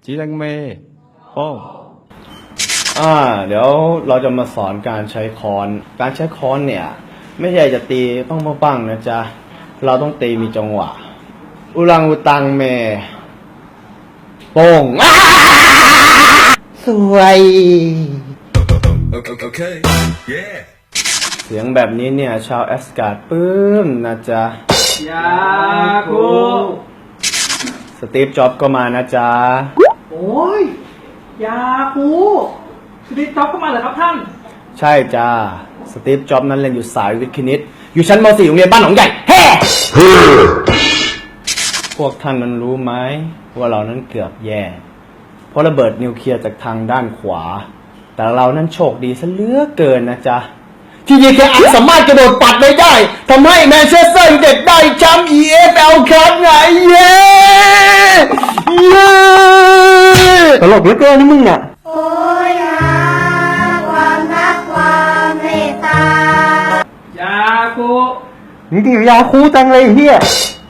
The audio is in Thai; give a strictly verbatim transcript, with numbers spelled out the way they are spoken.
จีรังเมโป้งอ่าเดี๋ยวเราจะมาสอนการใช้ค้อน การใช้ค้อนเนี่ย ไม่ใช่จะตีปังปังปังนะจ๊ะ เราต้องตีมีจังหวะ อุลังอุตังเมโป้งสวย Okay, okay. Yeah. เสียงแบบนี้เนี่ย ชาวแอสการ์ดปลื้มนะจ๊ะยาคูสตีฟจ็อบส์ก็มานะจ๊ะโอ้ยยาคูสตีฟจ็อบส์เข้ามาเหรอครับท่านใช่จ้า สตีฟจ็อบส์นั้นเรียนอยู่สายวิทย์คณิต อยู่ชั้นม .สี่ โรงเรียนบ้านหนองใหญ่แฮ่พวกท่านนั้นรู้ไหมว่าเรานั้นเกือบแย่ เพราะระเบิดนิวเคลียร์จากทางด้านขวา แต่เรานั้นโชคดีซะเหลือเกินนะจ๊ะ ที่ยีเคอันสามารถกระโดดปัดไปได้ทำให้แมนเชสเตอร์ยูไนเต็ดได้แชมป์ อี เอฟ แอล ครับไงเย้เย้ตลกเหลือเกินนี่มึงอ่ะโอ้ยหาความรักความเมตตายาคูนี่ดียาคูจังเลยเฮีย